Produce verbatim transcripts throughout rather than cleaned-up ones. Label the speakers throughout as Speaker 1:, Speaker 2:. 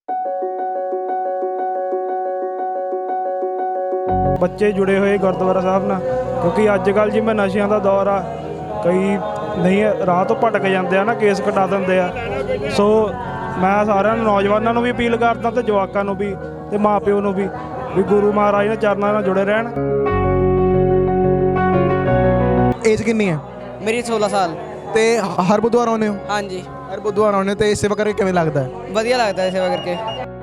Speaker 1: ਬੱਚੇ ਜੁੜੇ ਹੋਏ ਗੁਰਦੁਆਰਾ ਸਾਹਿਬ ਨਾਲ, ਕਿਉਂਕਿ ਅੱਜ ਕੱਲ੍ਹ ਜਿਵੇਂ ਨਸ਼ਿਆਂ ਦਾ ਦੌਰ ਆ, ਕਈ ਨਹੀਂ ਰਾਹ ਤੋਂ ਭਟਕ ਜਾਂਦੇ ਆ ਨਾ, ਕੇਸ ਕਟਾ ਦਿੰਦੇ ਆ। ਸੋ ਮੈਂ ਸਾਰਿਆਂ ਨੂੰ, ਨੌਜਵਾਨਾਂ ਨੂੰ ਵੀ ਅਪੀਲ ਕਰਦਾ ਤੇ ਜਵਾਕਾਂ ਨੂੰ ਵੀ ਤੇ ਮਾਂ ਪਿਓ ਨੂੰ ਵੀ ਵੀ ਗੁਰੂ ਮਹਾਰਾਜ ਦੇ ਚਰਨਾਂ ਨਾਲ ਜੁੜੇ ਰਹਿਣ।
Speaker 2: ਏਜ ਕਿੰਨੀ ਹੈ?
Speaker 3: ਮੇਰੀ ਸੋਲਾਂ ਸਾਲ।
Speaker 2: ਤੇ ਹਰ ਬੁੱਧਵਾਰ ਆਉਂਦੇ ਹੋ?
Speaker 3: ਹਾਂਜੀ,
Speaker 2: ਹਰ ਬੁੱਧਵਾਰ ਆਉਂਦੇ ਤੇ ਸੇਵਾ ਕਰਕੇ ਕਿਵੇਂ ਲੱਗਦਾ ਹੈ?
Speaker 3: ਵਧੀਆ ਲੱਗਦਾ ਹੈ ਸੇਵਾ ਕਰਕੇ।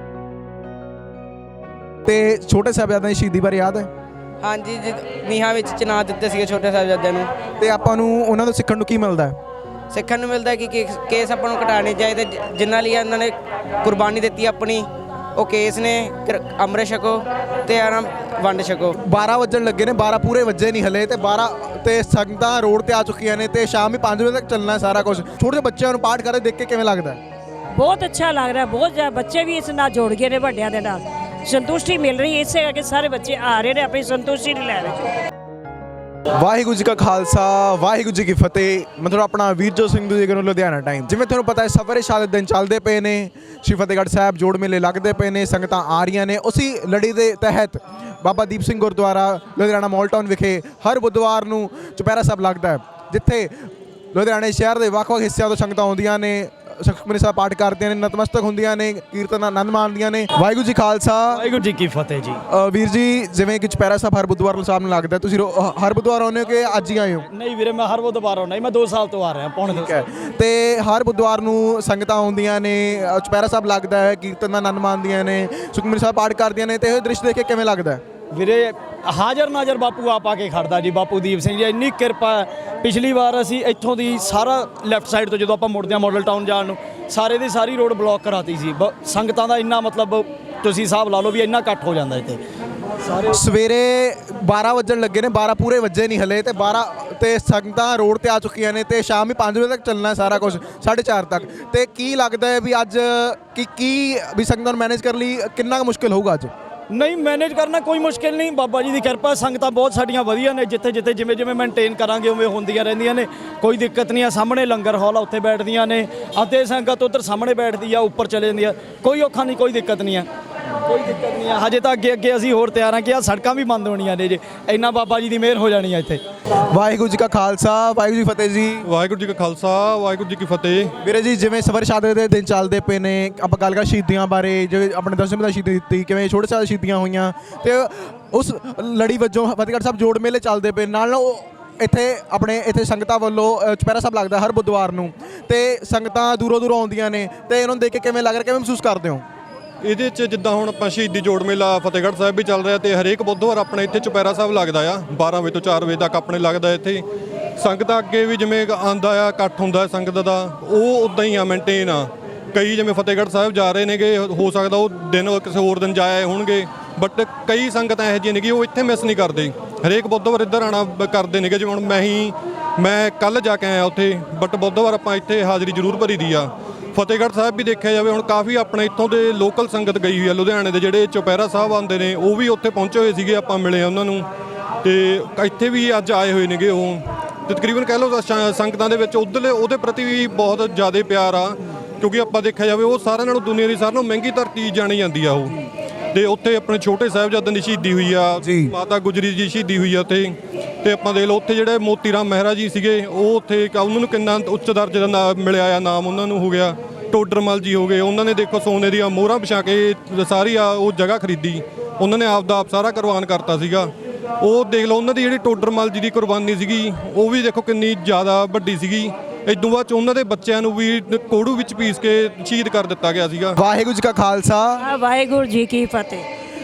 Speaker 2: ਤੇ ਛੋਟੇ ਸਾਹਿਬਜ਼ਾਦਿਆਂ ਦੀ ਸ਼ਹੀਦੀ ਬਾਰੇ ਯਾਦ ਹੈ?
Speaker 3: ਹਾਂਜੀ, ਜਿ ਨੀਹਾਂ ਵਿੱਚ ਚਿਨਾਰ ਦਿੱਤੇ ਸੀਗੇ ਛੋਟੇ ਸਾਹਿਬਜ਼ਾਦਿਆਂ ਨੂੰ।
Speaker 2: ਤੇ ਆਪਾਂ ਨੂੰ ਉਹਨਾਂ ਤੋਂ ਸਿੱਖਣ ਨੂੰ ਕੀ ਮਿਲਦਾ ਹੈ?
Speaker 3: ਸਿੱਖਣ ਨੂੰ ਮਿਲਦਾ ਕਿ ਕੇਸ ਕੇਸ ਆਪਾਂ ਨੂੰ ਘਟਾਉਣੇ ਚਾਹੀਦੇ, ਜਿਨ੍ਹਾਂ ਲਈ ਇਹਨਾਂ ਨੇ ਕੁਰਬਾਨੀ ਦਿੱਤੀ ਆਪਣੀ, ਉਹ ਕੇਸ ਨੇ। ਅੰਮ੍ਰਿਤ ਛਕੋ ਤੇ ਆਰਾਮ ਵੰਡ ਛਕੋ।
Speaker 2: ਬਾਰਾਂ ਵੱਜਣ ਲੱਗੇ ਨੇ, ਬਾਰਾਂ ਪੂਰੇ ਵੱਜੇ ਨਹੀਂ ਹਲੇ, ਤੇ ਬਾਰਾਂ ਤੇ ਸੰਗਤਾਂ ਰੋਡ ਤੇ ਆ ਚੁੱਕੀਆਂ ਨੇ ਤੇ ਸ਼ਾਮ ਹੀ ਪੰਜ ਵਜੇ ਤੱਕ ਚੱਲਣਾ ਸਾਰਾ ਕੁਝ। ਛੋਟੇ ਜਿਹੇ ਬੱਚਿਆਂ ਨੂੰ ਪਾਠ ਕਰਦੇ ਦੇਖ ਕੇ ਕਿਵੇਂ ਲੱਗਦਾ?
Speaker 4: ਬਹੁਤ ਅੱਛਾ ਲੱਗ ਰਿਹਾ, ਬਹੁਤ ਜ਼ਿਆਦਾ ਬੱਚੇ ਵੀ ਇਸ ਨਾਲ ਜੁੜ ਗਏ ਨੇ ਵੱਡਿਆਂ ਦੇ ਨਾਲ, ਸੰਤੁਸ਼ਟੀ ਮਿਲ ਰਹੀ ਹੈ। ਇਸੇ ਕਰਕੇ ਸਾਰੇ ਬੱਚੇ ਆ ਰਹੇ ਨੇ, ਆਪਣੀ ਸੰਤੁਸ਼ਟੀ ਨਹੀਂ ਲੈ ਰਹੇ।
Speaker 2: ਵਾਹਿਗੁਰੂ ਜੀ ਕਾ ਖਾਲਸਾ, ਵਾਹਿਗੁਰੂ ਜੀ ਕੀ ਫਤਿਹ। ਮਤਲਬ ਆਪਣਾ ਵੀਰਜੋਤ ਸਿੰਘ ਦੂਜੇ ਨੂੰ ਲੁਧਿਆਣਾ ਟਾਈਮ। ਜਿਵੇਂ ਤੁਹਾਨੂੰ ਪਤਾ ਹੈ ਸਫਰ ਸ਼ਹਾਦਤ ਦਿਨ ਚੱਲਦੇ ਪਏ ਨੇ, ਸ਼੍ਰੀ ਫਤਿਹਗੜ੍ਹ ਸਾਹਿਬ ਜੋੜ ਮੇਲੇ ਲੱਗਦੇ ਪਏ ਨੇ, ਸੰਗਤਾਂ ਆ ਰਹੀਆਂ ਨੇ। ਉਸੀ ਲੜੀ ਦੇ ਤਹਿਤ ਬਾਬਾ ਦੀਪ ਸਿੰਘ ਗੁਰਦੁਆਰਾ ਲੁਧਿਆਣਾ ਮਾਲ ਟਾਊਨ ਵਿਖੇ ਹਰ ਬੁੱਧਵਾਰ ਨੂੰ ਚੁਪਹਿਰਾ ਸਾਹਿਬ ਲੱਗਦਾ ਹੈ, ਜਿੱਥੇ ਲੁਧਿਆਣੇ ਸ਼ਹਿਰ ਦੇ ਵੱਖ-ਵੱਖ ਹਿੱਸਿਆਂ ਤੋਂ ਸੰਗਤਾਂ ਆਉਂਦੀਆਂ ਨੇ, ਸੁਖਮਨੀ ਸਾਹਿਬ ਪਾਠ ਕਰਦੀਆਂ ਨੇ, ਨਤਮਸਤਕ ਹੁੰਦੀਆਂ ਨੇ, ਕੀਰਤਨ ਆਨੰਦ ਮਾਣਦੀਆਂ ਨੇ। ਵਾਹਿਗੁਰੂ ਜੀ ਖਾਲਸਾ,
Speaker 5: ਵਾਹਿਗੁਰੂ ਜੀ ਕੀ ਫਤਿਹ ਜੀ।
Speaker 2: ਵੀਰ ਜੀ, ਜਿਵੇਂ ਕਿ ਚੁਪਹਿਰਾ ਸਾਹਿਬ ਹਰ ਬੁੱਧਵਾਰ ਸਾਹਿਬ ਨੂੰ ਲੱਗਦਾ, ਤੁਸੀਂ ਹਰ ਬੁੱਧਵਾਰ ਆਉਂਦੇ ਹੋ ਕਿ ਅੱਜ ਹੀ ਆਏ ਹੋ?
Speaker 5: ਨਹੀਂ ਵੀਰੇ, ਮੈਂ ਹਰ ਬੁੱਧਵਾਰ ਆਉਣਾ, ਮੈਂ ਦੋ ਸਾਲ ਤੋਂ ਆ ਰਿਹਾ, ਪੌਣੇ ਦੋ ਸਾਲ।
Speaker 2: ਤੇ ਹਰ ਬੁੱਧਵਾਰ ਨੂੰ ਸੰਗਤਾਂ ਆਉਂਦੀਆਂ ਨੇ, ਚੁਪਹਿਰਾ ਸਾਹਿਬ ਲੱਗਦਾ ਹੈ, ਕੀਰਤਨ ਦਾ ਆਨੰਦ ਮਾਣਦੀਆਂ ਨੇ, ਸੁਖਮਨੀ ਸਾਹਿਬ ਪਾਠ ਕਰਦੀਆਂ ਨੇ, ਤੇ ਇਹ ਦ੍ਰਿਸ਼ ਦੇਖ ਕੇ ਕਿਵੇਂ ਲੱਗਦਾ
Speaker 5: ਵੀਰੇ? ਹਾਜ਼ਰ ਨਾਜ਼ਰ ਬਾਪੂ ਆਪ ਆ ਕੇ ਖੜਦਾ ਜੀ, ਬਾਪੂ ਦੀਪ ਸਿੰਘ ਜੀ, ਇੰਨੀ ਕਿਰਪਾ। ਪਿਛਲੀ ਵਾਰ ਅਸੀਂ ਇੱਥੋਂ ਦੀ ਸਾਰਾ ਲੈਫਟ ਸਾਈਡ ਤੋਂ ਜਦੋਂ ਆਪਾਂ ਮੁੜਦੇ ਹਾਂ ਮਾਡਲ ਟਾਊਨ ਜਾਣ ਨੂੰ, ਸਾਰੇ ਦੀ ਸਾਰੀ ਰੋਡ ਬਲੌਕ ਕਰਾਤੀ ਸੀ। ਸੰਗਤਾਂ ਦਾ ਇੰਨਾ ਮਤਲਬ ਤੁਸੀਂ ਹਿਸਾਬ ਲਾ ਲਓ ਵੀ ਇੰਨਾ ਇਕੱਠ ਹੋ ਜਾਂਦਾ ਇੱਥੇ।
Speaker 2: ਸਾਰੇ ਸਵੇਰੇ ਬਾਰਾਂ ਵੱਜਣ ਲੱਗੇ ਨੇ, ਬਾਰਾਂ ਪੂਰੇ ਵੱਜੇ ਨਹੀਂ ਹਲੇ, ਤੇ ਬਾਰਾਂ ਤੇ ਸੰਗਤਾਂ ਰੋਡ ਤੇ ਆ ਚੁੱਕੀਆਂ ਨੇ ਤੇ ਸ਼ਾਮ ਹੀ ਪੰਜ ਵਜੇ ਤੱਕ ਚੱਲਣਾ ਸਾਰਾ ਕੁਝ, ਸਾਢੇ ਚਾਰ ਤੱਕ। ਤੇ ਕੀ ਲੱਗਦਾ ਹੈ ਵੀ ਅੱਜ ਕੀ ਕੀ ਵੀ ਸੰਗਤਾਂ ਨੂੰ ਮੈਨੇਜ ਕਰਨ ਲਈ ਕਿੰਨਾ ਕੁ ਮੁਸ਼ਕਿਲ ਹੋਊਗਾ ਅੱਜ?
Speaker 5: ਨਹੀਂ, ਮੈਨੇਜ ਕਰਨਾ ਕੋਈ ਮੁਸ਼ਕਿਲ ਨਹੀਂ, ਬਾਬਾ ਜੀ ਦੀ ਕਿਰਪਾ। ਸੰਗਤਾਂ ਬਹੁਤ ਸਾਡੀਆਂ ਵਧੀਆ ਨੇ, ਜਿੱਥੇ ਜਿੱਥੇ ਜਿਵੇਂ ਜਿਵੇਂ ਮੇਨਟੇਨ ਕਰਾਂਗੇ ਉਵੇਂ ਹੁੰਦੀਆਂ ਰਹਿੰਦੀਆਂ ਨੇ, ਕੋਈ ਦਿੱਕਤ ਨਹੀਂ ਆ। ਸਾਹਮਣੇ ਲੰਗਰ ਹਾਲ ਆ, ਉੱਥੇ ਬੈਠਦੀਆਂ ਨੇ, ਅਤੇ ਸੰਗਤ ਉੱਧਰ ਸਾਹਮਣੇ ਬੈਠਦੀ ਆ, ਉੱਪਰ ਚਲੇ ਜਾਂਦੀ ਆ, ਕੋਈ ਔਖਾ ਨਹੀਂ, ਕੋਈ ਦਿੱਕਤ ਨਹੀਂ ਆ, ਕੋਈ ਦਿੱਕਤ ਨਹੀਂ ਆ। ਹਜੇ ਤਾਂ ਅੱਗੇ ਅੱਗੇ ਅਸੀਂ ਹੋਰ ਤਿਆਰ ਹਾਂ ਕਿ ਆ ਸੜਕਾਂ ਵੀ ਬੰਦ ਹੋਣੀਆਂ ਨੇ ਜੇ, ਇੰਨਾ ਬਾਬਾ ਜੀ ਦੀ ਮਿਹਰ ਹੋ ਜਾਣੀ ਆ ਇੱਥੇ।
Speaker 2: ਵਾਹਿਗੁਰੂ ਜੀ ਕਾ ਖਾਲਸਾ, ਵਾਹਿਗੁਰੂ ਜੀ ਫਤਿਹ ਜੀ।
Speaker 6: ਵਾਹਿਗੁਰੂ ਜੀ ਕਾ ਖਾਲਸਾ, ਵਾਹਿਗੁਰੂ ਜੀ ਕੀ ਫਤਿਹ।
Speaker 2: ਵੀਰੇ ਜੀ, ਜਿਵੇਂ ਸਫਰ ਸ਼ਹਾਦਤ ਦੇ ਦਿਨ ਚੱਲਦੇ ਪਏ ਨੇ, ਆਪਾਂ ਗੱਲ ਕਰ ਸ਼ਹੀਦੀਆਂ ਬਾਰੇ, ਜਿਵੇਂ ਆਪਣੇ ਦਸਵੇਂ ਦਾ ਸ਼ਹੀਦੀ ਦਿੱਤੀ, ਕਿਵੇਂ ਛੋਟੇ ਸਾਹਿਬ ਸ਼ਹੀਦੀਆਂ ਹੋਈਆਂ, ਤੇ ਉਸ ਲੜੀ ਵਜੋਂ ਫਤਿਹਗੜ੍ਹ ਸਾਹਿਬ ਜੋੜ ਮੇਲੇ ਚੱਲਦੇ ਪਏ ਨਾਲ। ਉਹ ਇੱਥੇ ਆਪਣੇ ਇੱਥੇ ਸੰਗਤਾਂ ਵੱਲੋਂ ਚੁਪਹਿਰਾ ਸਾਹਿਬ ਲੱਗਦਾ ਹਰ ਬੁੱਧਵਾਰ ਨੂੰ, ਤੇ ਸੰਗਤਾਂ ਦੂਰੋਂ ਦੂਰੋਂ ਆਉਂਦੀਆਂ ਨੇ, ਤੇ ਇਹਨਾਂ ਨੂੰ ਦੇਖ ਕੇ ਕਿਵੇਂ ਲੱਗ ਰਿਹਾ, ਕਿਵੇਂ ਮਹਿਸੂਸ ਕਰਦੇ ਹੋ?
Speaker 6: ਇਹਦੇ 'ਚ ਜਿੱਦਾਂ ਹੁਣ ਆਪਾਂ ਸ਼ਹੀਦੀ ਜੋੜ ਮੇਲਾ ਫਤਿਹਗੜ੍ਹ ਸਾਹਿਬ ਵੀ ਚੱਲ ਰਿਹਾ, ਤੇ ਹਰੇਕ ਬੁੱਧਵਾਰ ਆਪਣੇ ਇੱਥੇ ਚੁਪਹਿਰਾ ਸਾਹਿਬ ਲੱਗਦਾ ਆ, ਬਾਰਾਂ ਵਜੇ ਤੋਂ ਚਾਰ ਵਜੇ ਤੱਕ ਆਪਣੇ ਲੱਗਦਾ ਇੱਥੇ। ਸੰਗਤਾਂ ਅੱਗੇ ਵੀ ਜਿਵੇਂ ਆਉਂਦਾ ਆ, ਇਕੱਠ ਹੁੰਦਾ ਸੰਗਤ ਦਾ, ਉਹ ਉੱਦਾਂ ਹੀ ਆ, ਮੇਨਟੇਨ ਆ। ਕਈ ਜਿਵੇਂ ਫਤਿਹਗੜ੍ਹ ਸਾਹਿਬ ਜਾ ਰਹੇ ਨੇਗੇ, ਹੋ ਸਕਦਾ ਉਹ ਦਿਨ ਕਿਸੇ ਹੋਰ ਦਿਨ ਜਾਏ ਹੋਣਗੇ, ਬਟ ਕਈ ਸੰਗਤਾਂ ਇਹੋ ਜਿਹੀਆਂ ਨੇਗੀ ਉਹ ਇੱਥੇ ਮਿਸ ਨਹੀਂ ਕਰਦੇ, ਹਰੇਕ ਬੁੱਧਵਾਰ ਇੱਧਰ ਆਉਣਾ ਕਰਦੇ ਨੇਗੇ। ਜਿਵੇਂ ਹੁਣ ਮੈਂ ਹੀ ਮੈਂ ਕੱਲ੍ਹ ਜਾ ਕੇ ਆਇਆ ਉੱਥੇ, ਬਟ ਬੁੱਧਵਾਰ ਆਪਾਂ ਇੱਥੇ ਹਾਜ਼ਰੀ ਜ਼ਰੂਰ ਭਰੀ ਦੀ ਆ। ਫਤਿਹਗੜ੍ਹ ਸਾਹਿਬ ਵੀ ਦੇਖਿਆ ਜਾਵੇ ਹੁਣ ਕਾਫੀ ਆਪਣੇ ਇੱਥੋਂ ਦੇ ਲੋਕਲ ਸੰਗਤ ਗਈ ਹੋਈ ਆ, ਲੁਧਿਆਣੇ ਦੇ ਜਿਹੜੇ ਚੁਪਹਿਰਾ ਸਾਹਿਬ ਆਉਂਦੇ ਨੇ ਉਹ ਵੀ ਉੱਥੇ ਪਹੁੰਚੇ ਹੋਏ ਸੀਗੇ, ਆਪਾਂ ਮਿਲੇ ਉਹਨਾਂ ਨੂੰ, ਤੇ ਇੱਥੇ ਵੀ ਅੱਜ ਆਏ ਹੋਏ ਨੇਗੇ ਉਹ। ਤੇ ਤਕਰੀਬਨ ਕਹਿ ਲਓ ਸੰਗਤਾਂ ਦੇ ਵਿੱਚ ਉੱਧਰਲੇ ਉਹਦੇ ਪ੍ਰਤੀ ਵੀ ਬਹੁਤ ਜ਼ਿਆਦਾ ਪਿਆਰ ਆ, ਕਿਉਂਕਿ ਆਪਾਂ ਦੇਖਿਆ ਜਾਵੇ ਉਹ ਸਾਰਿਆਂ ਨਾਲੋਂ ਦੁਨੀਆ ਦੀ ਸਾਰਿਆਂ ਨਾਲੋਂ ਮਹਿੰਗੀ ਧਰਤੀ ਜਾਣੀ ਜਾਂਦੀ ਆ ਉਹ। ਤੇ ਉੱਥੇ ਆਪਣੇ ਛੋਟੇ ਸਾਹਿਬਜ਼ਾਦਿਆਂ ਦੀ ਸ਼ਹੀਦੀ ਹੋਈ ਆ, ਮਾਤਾ ਗੁਜਰੀ ਜੀ ਸ਼ਹੀਦੀ ਹੋਈ ਆ ਉੱਥੇ। ਤੇ ਆਪਾਂ ਦੇਖ ਲਓ ਉੱਥੇ ਜਿਹੜੇ ਮੋਤੀ ਰਾਮ ਮਹਿਰਾ ਜੀ ਸੀਗੇ, ਉਹ ਉੱਥੇ ਉਹਨਾਂ ਨੂੰ ਕਿੰਨਾ ਉੱਚ ਦਰਜੇ ਦਾ ਨਾਮ ਮਿਲਿਆ ਆ, ਨਾਮ ਉਹਨਾਂ ਨੂੰ ਹੋ ਗਿਆ। ਟੋਡਰਮਲ ਜੀ ਹੋ ਗਏ, ਉਹਨਾਂ ਨੇ ਦੇਖੋ ਸੋਨੇ ਦੀਆਂ ਮੋਹਰਾਂ ਵਿਛਾ ਕੇ ਸਾਰੀ ਆ ਉਹ ਜਗ੍ਹਾ ਖਰੀਦੀ, ਉਹਨਾਂ ਨੇ ਆਪ ਦਾ ਆਪ ਸਾਰਾ ਕੁਰਬਾਨ ਕਰਤਾ ਸੀਗਾ। ਉਹ ਦੇਖ ਲਓ ਉਹਨਾਂ ਦੀ ਜਿਹੜੀ ਟੋਡਰਮਲ ਜੀ ਦੀ ਕੁਰਬਾਨੀ ਸੀਗੀ, ਉਹ ਵੀ ਦੇਖੋ ਕਿੰਨੀ ਜ਼ਿਆਦਾ ਵੱਡੀ ਸੀਗੀ। ਇਦੋਂ ਬਾਅਦ 'ਚ ਉਹਨਾਂ ਦੇ ਬੱਚਿਆਂ ਨੂੰ ਵੀ ਕੋੜੂ ਵਿੱਚ ਪੀਸ ਕੇ ਸ਼ਹੀਦ ਕਰ ਦਿੱਤਾ ਗਿਆ ਸੀਗਾ।
Speaker 2: ਵਾਹਿਗੁਰੂ ਜੀ ਕਾ ਖਾਲਸਾ,
Speaker 4: ਵਾਹਿਗੁਰੂ ਜੀ ਕੀ ਫਤਿਹ।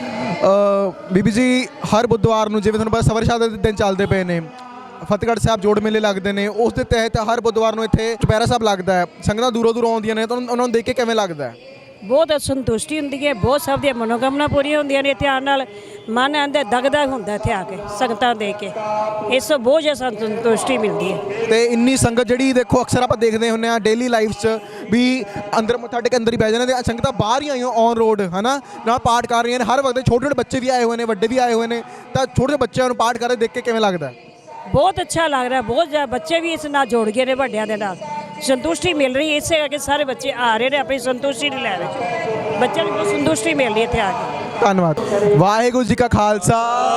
Speaker 2: ਬੀਬੀ ਜੀ, ਹਰ ਬੁੱਧਵਾਰ ਨੂੰ ਜਿਵੇਂ ਤੁਹਾਨੂੰ ਪਤਾ ਸਫਰ ਸ਼ਹਾਦਤ ਦੇ ਦਿਨ ਚੱਲਦੇ ਪਏ ਨੇ, ਫਤਿਹਗੜ੍ਹ ਸਾਹਿਬ ਜੋੜ ਮੇਲੇ ਲੱਗਦੇ ਨੇ, ਉਸ ਦੇ ਤਹਿਤ ਹਰ ਬੁੱਧਵਾਰ ਨੂੰ ਇੱਥੇ ਚੁਪਹਿਰਾ ਸਾਹਿਬ ਲੱਗਦਾ ਹੈ। ਸੰਗਤਾਂ ਦੂਰੋਂ ਦੂਰੋਂ ਆਉਂਦੀਆਂ ਨੇ, ਤਾਂ ਉਹਨਾਂ ਨੂੰ ਦੇਖ ਕੇ ਕਿਵੇਂ ਲੱਗਦਾ ਹੈ?
Speaker 4: ਬਹੁਤ ਸੰਤੁਸ਼ਟੀ ਹੁੰਦੀ ਹੈ, ਬਹੁਤ ਸਭ ਦੀਆਂ ਮਨੋਕਾਮਨਾ ਪੂਰੀਆਂ ਹੁੰਦੀਆਂ ਨੇ ਇੱਥੇ ਆਉਣ ਨਾਲ। ਮਨ ਆਂਦਾ ਦਗਦਗ ਹੁੰਦਾ ਇੱਥੇ ਆ ਕੇ ਸੰਗਤਾਂ ਦੇਖ ਕੇ, ਇਸ ਤੋਂ ਬਹੁਤ ਜ਼ਿਆਦਾ ਸੰਤੁਸ਼ਟੀ ਮਿਲਦੀ ਹੈ।
Speaker 2: ਤੇ ਇੰਨੀ ਸੰਗਤ ਜਿਹੜੀ ਦੇਖੋ ਅਕਸਰ ਆਪਾਂ ਦੇਖਦੇ ਹੁੰਦੇ ਆ ਡੇਲੀ ਲਾਈਫ 'ਚ ਵੀ ਅੰਦਰ ਮੱਥਾ ਟੇਕ ਅੰਦਰ ਹੀ ਬਹਿ ਜਾਂਦੇ, ਤੇ ਸੰਗਤਾਂ ਬਾਹਰ ਹੀ ਆਈਆਂ ਔਨ ਰੋਡ ਹੈ ਨਾ, ਨਾਲ ਪਾਠ ਕਰ ਰਹੀਆਂ ਨੇ ਹਰ ਵਕਤ। ਛੋਟੇ ਛੋਟੇ ਬੱਚੇ ਵੀ ਆਏ ਹੋਏ ਨੇ, ਵੱਡੇ ਵੀ ਆਏ ਹੋਏ ਨੇ, ਤਾਂ ਛੋਟੇ ਛੋਟੇ ਬੱਚਿਆਂ ਨੂੰ ਪਾਠ ਕਰਦੇ ਦੇਖ ਕੇ ਕਿਵੇਂ ਲੱਗਦਾ?
Speaker 4: ਬਹੁਤ ਅੱਛਾ ਲੱਗ ਰਿਹਾ, ਬਹੁਤ ਜ਼ਿਆਦਾ ਬੱਚੇ ਵੀ ਇਸ ਨਾਲ ਜੁੜ ਗਏ ਨੇ ਵੱਡਿਆਂ ਦੇ ਨਾਲ, ਸੰਤੁਸ਼ਟੀ ਮਿਲ ਰਹੀ ਹੈ, ਇਸੇ ਕਰਕੇ ਸਾਰੇ ਬੱਚੇ ਆ ਰਹੇ ਨੇ ਆਪਣੀ ਸੰਤੁਸ਼ਟੀ ਨੂੰ ਲੈ ਰਹੇ। ਬੱਚਿਆਂ ਨੂੰ ਬਹੁਤ ਸੰਤੁਸ਼ਟੀ ਮਿਲ ਰਹੀ ਹੈ ਇੱਥੇ ਆ ਕੇ।
Speaker 2: ਧੰਨਵਾਦ। ਵਾਹਿਗੁਰੂ ਜੀ ਕਾ ਖਾਲਸਾ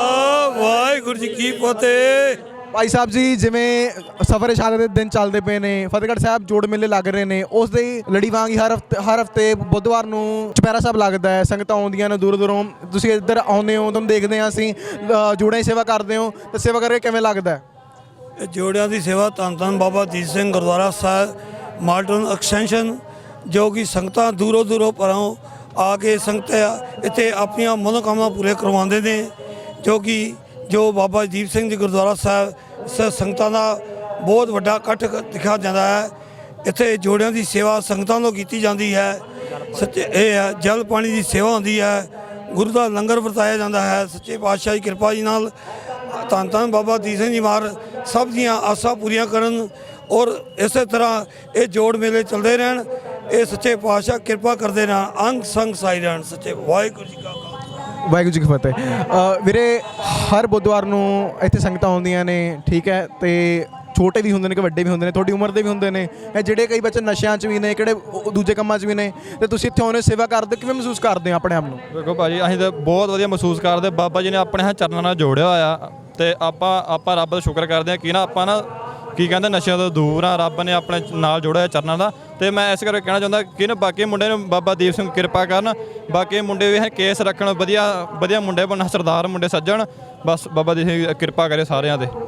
Speaker 7: ਵਾਹਿਗੁਰੂ ਜੀ ਕੀ ਫਤਿਹ।
Speaker 2: ਭਾਈ ਸਾਹਿਬ ਜੀ, ਜਿਵੇਂ ਸਫਰ ਸ਼ਹਾਦਤ ਦੇ ਦਿਨ ਚੱਲਦੇ ਪਏ ਨੇ, ਫਤਿਹਗੜ੍ਹ ਸਾਹਿਬ ਜੋੜ ਮੇਲੇ ਲੱਗ ਰਹੇ ਨੇ, ਉਸ ਦੇ ਹੀ ਲੜੀ ਵਾਂਗ ਹੀ ਹਰ ਹਫਤੇ ਹਰ ਹਫਤੇ ਬੁੱਧਵਾਰ ਨੂੰ ਚੁਪਹਿਰਾ ਸਾਹਿਬ ਲੱਗਦਾ ਹੈ। ਸੰਗਤਾਂ ਆਉਂਦੀਆਂ ਨੇ ਦੂਰੋਂ ਦੂਰੋਂ, ਤੁਸੀਂ ਇੱਧਰ ਆਉਂਦੇ ਹੋ, ਤੁਹਾਨੂੰ ਦੇਖਦੇ ਹਾਂ ਅਸੀਂ, ਅ, ਜੋੜਿਆਂ ਦੀ ਸੇਵਾ ਕਰਦੇ ਹੋ, ਤੇ ਸੇਵਾ ਕਰਕੇ ਕਿਵੇਂ ਲੱਗਦਾ ਹੈ?
Speaker 7: ਇਹ ਜੋੜਿਆਂ ਦੀ ਸੇਵਾ ਧੰਨ ਧੰਨ ਬਾਬਾ ਦੀਪ ਸਿੰਘ ਗੁਰਦੁਆਰਾ ਸਾਹਿਬ ਮਾਡਰਨ ਐਕਸਟੈਂਸ਼ਨ, ਜੋ ਕਿ ਸੰਗਤਾਂ ਦੂਰੋਂ ਦੂਰੋਂ ਪਰੋਂ ਆ ਕੇ ਸੰਗਤਾਂ ਇੱਥੇ ਆਪਣੀਆਂ ਮਨੋਕਾਮਨਾ ਪੂਰੇ ਕਰਵਾਉਂਦੇ ਨੇ, ਜੋ ਕਿ ਜੋ ਬਾਬਾ ਦੀਪ ਸਿੰਘ ਜੀ ਗੁਰਦੁਆਰਾ ਸਾਹਿਬ ਸ ਸੰਗਤਾਂ ਦਾ ਬਹੁਤ ਵੱਡਾ ਇਕੱਠ ਦਿਖਾ ਜਾਂਦਾ ਹੈ। ਇੱਥੇ ਜੋੜਿਆਂ ਦੀ ਸੇਵਾ ਸੰਗਤਾਂ ਨੂੰ ਕੀਤੀ ਜਾਂਦੀ ਹੈ। ਸੱਚੇ ਇਹ ਹੈ ਜਲ ਪਾਣੀ ਦੀ ਸੇਵਾ ਹੁੰਦੀ ਹੈ, ਗੁਰੂ ਦਾ ਲੰਗਰ ਵਰਤਾਇਆ ਜਾਂਦਾ ਹੈ। ਸੱਚੇ ਪਾਤਸ਼ਾਹ ਦੀ ਕਿਰਪਾ ਜੀ ਨਾਲ ਧੰਨ ਧੰਨ ਬਾਬਾ ਦੀਪ ਸਿੰਘ ਜੀ ਮਹਾਰਾਜ ਸਭ ਦੀਆਂ ਆਸਾਂ ਪੂਰੀਆਂ ਕਰਨ, ਔਰ ਇਸੇ ਤਰ੍ਹਾਂ ਇਹ ਜੋੜ ਮੇਲੇ ਚੱਲਦੇ ਰਹਿਣ। ਇਹ ਸੱਚੇ ਪਾਤਸ਼ਾਹ ਕਿਰਪਾ ਕਰਦੇ ਰਹਿਣ, ਅੰਗ ਸੰਗ ਸਾਈ ਰਹਿਣ। ਸੱਚੇ ਵਾਹਿਗੁਰੂ ਜੀ ਕਾ ਖਾਲਸਾ
Speaker 2: ਵਾਹਿਗੁਰੂ ਜੀ ਕੀ ਫਤਿਹ। ਅ, ਵੀਰੇ, ਹਰ ਬੁੱਧਵਾਰ ਨੂੰ ਇੱਥੇ ਸੰਗਤਾਂ ਆਉਂਦੀਆਂ ਨੇ, ਠੀਕ ਹੈ, ਤੇ ਛੋਟੇ ਵੀ ਹੁੰਦੇ ਨੇ ਕਿ ਵੱਡੇ ਵੀ ਹੁੰਦੇ ਨੇ, ਤੁਹਾਡੀ ਉਮਰ ਦੇ ਵੀ ਹੁੰਦੇ ਨੇ, ਇਹ ਜਿਹੜੇ ਕਈ ਬੱਚੇ ਨਸ਼ਿਆਂ 'ਚ ਵੀ ਨੇ, ਕਿਹੜੇ ਉਹ ਦੂਜੇ ਕੰਮਾਂ 'ਚ ਵੀ ਨੇ, ਤੇ ਤੁਸੀਂ ਇੱਥੇ ਆਉਂਦੇ ਸੇਵਾ ਕਰਦੇ, ਕਿਵੇਂ ਮਹਿਸੂਸ ਕਰਦੇ ਹੋ ਆਪਣੇ ਆਪ ਨੂੰ?
Speaker 8: ਦੇਖੋ ਭਾਜੀ, ਅਸੀਂ ਤਾਂ ਬਹੁਤ ਵਧੀਆ ਮਹਿਸੂਸ ਕਰਦੇ। ਬਾਬਾ ਜੀ ਨੇ ਆਪਣੇ ਹੱਥ ਚਰਨਾਂ ਨਾਲ ਜੋੜਿਆ ਹੋਇਆ, ਤੇ ਆਪਾਂ ਆਪਾਂ ਰੱਬ ਦਾ ਸ਼ੁਕਰ ਕਰਦੇ ਹਾਂ ਕਿ ਨਾ ਆਪਾਂ ਨਾ ਕੀ ਕਹਿੰਦੇ ਨਸ਼ਿਆਂ ਤੋਂ ਦੂਰ ਆ। ਰੱਬ ਨੇ ਆਪਣੇ ਨਾਲ ਜੋੜਿਆ ਹੋਇਆ ਚਰਨਾਂ ਦਾ। ਤੇ ਮੈਂ ਇਸ ਕਰਕੇ ਕਹਿਣਾ ਚਾਹੁੰਦਾ ਕਿ ਨਾ ਬਾਕੀ ਮੁੰਡੇ ਨੂੰ ਬਾਬਾ ਦੀਪ ਸਿੰਘ ਕਿਰਪਾ ਕਰਨ, ਬਾਕੀ ਮੁੰਡੇ ਵੀ ਕੇਸ ਰੱਖਣ, ਵਧੀਆ ਵਧੀਆ ਮੁੰਡੇ ਬਣਨ, ਸਰਦਾਰ ਮੁੰਡੇ ਸੱਜਣ, ਬਸ ਬਾਬਾ ਦੀਪ ਸਿੰਘ ਕਿਰਪਾ ਕਰੇ ਸਾਰਿਆਂ ਦੇ।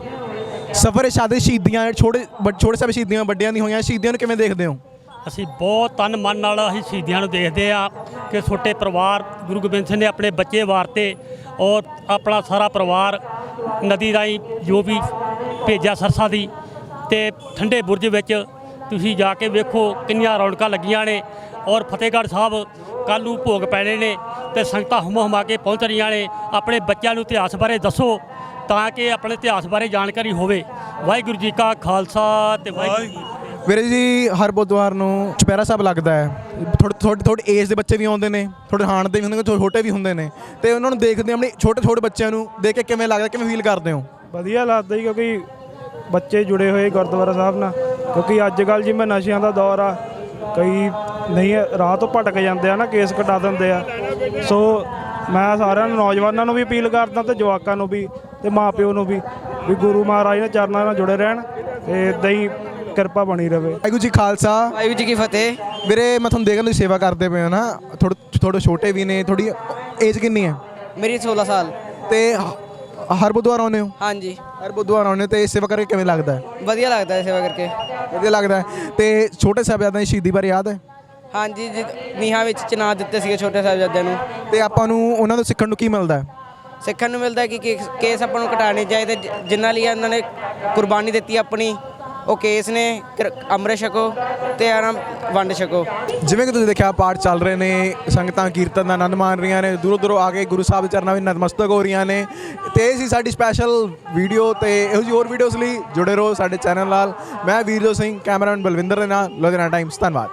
Speaker 2: ਸਫਰ ਸ਼ਹਾਦਤ ਸ਼ਹੀਦੀਆਂ, ਛੋਟੇ ਛੋਟੇ ਸਾਹਿਬ ਸ਼ਹੀਦੀਆਂ ਵੱਡਿਆਂ ਦੀ ਹੋਈਆਂ ਸ਼ਹੀਦੀਆਂ ਨੂੰ ਕਿਵੇਂ ਦੇਖਦੇ ਹੋ?
Speaker 9: ਅਸੀਂ ਬਹੁਤ ਤਨ ਮਨ ਨਾਲ ਅਸੀਂ ਸ਼ਹੀਦੀਆਂ ਨੂੰ ਦੇਖਦੇ ਆ ਕਿ ਛੋਟੇ ਪਰਿਵਾਰ ਗੁਰੂ ਗੋਬਿੰਦ ਸਿੰਘ ਨੇ ਆਪਣੇ ਬੱਚੇ ਵਾਰਤੇ, ਔਰ ਆਪਣਾ ਸਾਰਾ ਪਰਿਵਾਰ ਨਦੀ ਰਾਹੀਂ ਜੋ ਵੀ ਭੇਜਿਆ ਸਰਸਾ ਦੀ, ਤੇ ਠੰਡੇ ਬੁਰਜ ਵਿੱਚ ਤੁਸੀਂ ਜਾ ਕੇ ਵੇਖੋ ਕਿੰਨੀਆਂ ਰੌਣਕਾਂ ਲੱਗੀਆਂ ਨੇ। ਔਰ ਫਤਿਹਗੜ੍ਹ ਸਾਹਿਬ ਕੱਲ੍ਹ ਨੂੰ ਭੋਗ ਪੈਣੇ ਨੇ, ਤੇ ਸੰਗਤਾਂ ਹੁਮ ਹੁਮਾ ਕੇ ਪਹੁੰਚ ਰਹੀਆਂ ਨੇ। ਆਪਣੇ ਬੱਚਿਆਂ ਨੂੰ ਇਤਿਹਾਸ ਬਾਰੇ ਦੱਸੋ ਤਾਂ ਕਿ ਆਪਣੇ ਇਤਿਹਾਸ ਬਾਰੇ ਜਾਣਕਾਰੀ ਹੋਵੇ। ਵਾਹਿਗੁਰੂ ਜੀ ਕਾ ਖਾਲਸਾ ਤੇ ਵਾਹਿਗੁਰੂ।
Speaker 2: ਵੀਰੇ ਜੀ, ਹਰ ਬੁੱਧਵਾਰ ਨੂੰ ਚੁਪਹਿਰਾ ਸਾਹਿਬ ਲੱਗਦਾ ਹੈ। ਥੋੜੇ ਥੋੜੇ ਥੋੜੇ ਏਜ ਦੇ ਬੱਚੇ ਵੀ ਆਉਂਦੇ ਨੇ, ਥੋੜੇ ਹਾਣ ਦੇ ਵੀ ਹੁੰਦੇ ਨੇ, ਥੋੜੇ ਛੋਟੇ ਵੀ ਹੁੰਦੇ ਨੇ, ਤੇ ਉਹਨਾਂ ਨੂੰ ਦੇਖਦੇ ਆਪਣੇ ਛੋਟੇ ਛੋਟੇ ਬੱਚਿਆਂ ਨੂੰ ਦੇਖ ਕੇ ਕਿਵੇਂ ਲੱਗਦਾ, ਕਿਵੇਂ ਫੀਲ ਕਰਦੇ ਹੋ?
Speaker 1: ਵਧੀਆ ਲੱਗਦਾ ਜੀ, ਕਿਉਂਕਿ ਬੱਚੇ ਜੁੜੇ ਹੋਏ ਗੁਰਦੁਆਰਾ ਸਾਹਿਬ ਨਾਲ। ਕਿਉਂਕਿ ਅੱਜ ਕੱਲ੍ਹ ਜਿਵੇਂ ਨਸ਼ਿਆਂ ਦਾ ਦੌਰ ਆ, ਕਈ ਨਹੀਂ ਰਾਹ ਤੋਂ ਭਟਕ ਜਾਂਦੇ ਆ ਨਾ, ਕੇਸ ਕਟਾ ਦਿੰਦੇ ਆ। ਸੋ ਮੈਂ ਸਾਰਿਆਂ ਨੂੰ, ਨੌਜਵਾਨਾਂ ਨੂੰ ਵੀ ਅਪੀਲ ਕਰਦਾ, ਤੇ ਜਵਾਕਾਂ ਨੂੰ ਵੀ, ਤੇ ਮਾਪਿਓ ਨੂੰ ਵੀ, ਵੀ ਗੁਰੂ ਮਹਾਰਾਜ ਦੇ ਚਰਨਾਂ ਨਾਲ ਜੁੜੇ ਰਹਿਣ, ਤੇ ਇੱਦਾਂ ਹੀ ਕਿਰਪਾ ਬਣੀ ਰਹੇ।
Speaker 2: ਵਾਹਿਗੁਰੂ ਜੀ ਖਾਲਸਾ
Speaker 3: ਵਾਹਿਗੁਰੂ ਜੀ ਕੀ ਫਤਿਹ।
Speaker 2: ਵੀਰੇ, ਮੈਂ ਤੁਹਾਨੂੰ ਦੇਖਣ ਦੀ ਸੇਵਾ ਕਰਦੇ ਪਏ ਹੋ ਨਾ, ਥੋੜੇ ਥੋੜੇ ਛੋਟੇ ਵੀ ਨੇ, ਥੋੜੀ ਏਜ ਕਿੰਨੀ ਹੈ?
Speaker 3: ਮੇਰੀ ਸੋਲਾਂ ਸਾਲ।
Speaker 2: ਤੇ ਹਰ ਬੁੱਧਵਾਰ ਆਉਂਦੇ ਹੋ?
Speaker 3: ਹਾਂਜੀ,
Speaker 2: ਹਰ ਬੁੱਧਵਾਰ ਆਉਂਦੇ ਹੋ, ਤੇ ਸੇਵਾ ਕਰਕੇ ਕਿਵੇਂ ਲੱਗਦਾ ਹੈ?
Speaker 3: ਵਧੀਆ ਲੱਗਦਾ ਹੈ ਸੇਵਾ ਕਰਕੇ।
Speaker 2: ਵਧੀਆ ਲੱਗਦਾ ਹੈ। ਤੇ ਛੋਟੇ ਸਾਹਿਬਜ਼ਾਦਿਆਂ ਦੀ ਸ਼ਹੀਦੀ ਬਾਰੇ ਯਾਦ ਹੈ?
Speaker 3: ਹਾਂਜੀ, ਜੀ ਨੀਹਾਂ ਵਿੱਚ ਚਿਨਾਰ ਦਿੱਤੇ ਸੀਗੇ ਛੋਟੇ ਸਾਹਿਬਜ਼ਾਦਿਆਂ ਨੂੰ।
Speaker 2: ਤੇ ਆਪਾਂ ਨੂੰ ਉਹਨਾਂ ਤੋਂ ਸਿੱਖਣ ਨੂੰ ਕੀ ਮਿਲਦਾ ਹੈ?
Speaker 3: ਸਿੱਖਣ ਨੂੰ ਮਿਲਦਾ ਕਿ ਕੇਸ ਕੇਸ ਆਪਾਂ ਨੂੰ ਘਟਾਉਣੇ ਚਾਹੀਦੇ, ਜ- ਜਿਨ੍ਹਾਂ ਲਈ ਇਹਨਾਂ ਨੇ ਕੁਰਬਾਨੀ ਦਿੱਤੀ ਆਪਣੀ, ਉਹ ਕੇਸ ਨੇ। ਕਿਰ- ਅੰਮ੍ਰਿਤ ਛਕੋ ਤੇ ਆਰਾਮ ਵੰਡ ਛਕੋ।
Speaker 2: ਜਿਵੇਂ ਕਿ ਤੁਸੀਂ ਦੇਖਿਆ, ਪਾਠ ਚੱਲ ਰਹੇ ਨੇ, ਸੰਗਤਾਂ ਕੀਰਤਨ ਦਾ ਆਨੰਦ ਮਾਣ ਰਹੀਆਂ ਨੇ, ਦੂਰੋਂ ਦੂਰੋਂ ਆ ਕੇ ਗੁਰੂ ਸਾਹਿਬ ਦੇ ਚਰਨਾਂ ਵਿੱਚ ਨਤਮਸਤਕ ਹੋ ਰਹੀਆਂ ਨੇ। ਤੇ ਇਹ ਸੀ ਸਾਡੀ ਸਪੈਸ਼ਲ ਵੀਡੀਓ, ਤੇ ਇਹੋ ਜਿਹੀ ਹੋਰ ਵੀਡੀਓਜ਼ ਲਈ ਜੁੜੇ ਰਹੋ ਸਾਡੇ ਚੈਨਲ ਨਾਲ। ਮੈਂ ਵੀਰਜੋਤ ਸਿੰਘ, ਕੈਮਰਾਮੈਨ ਬਲਵਿੰਦਰ ਦੇ ਨਾਲ, ਲੁਧਿਆਣਾ ਟਾਈਮਸ। ਧੰਨਵਾਦ।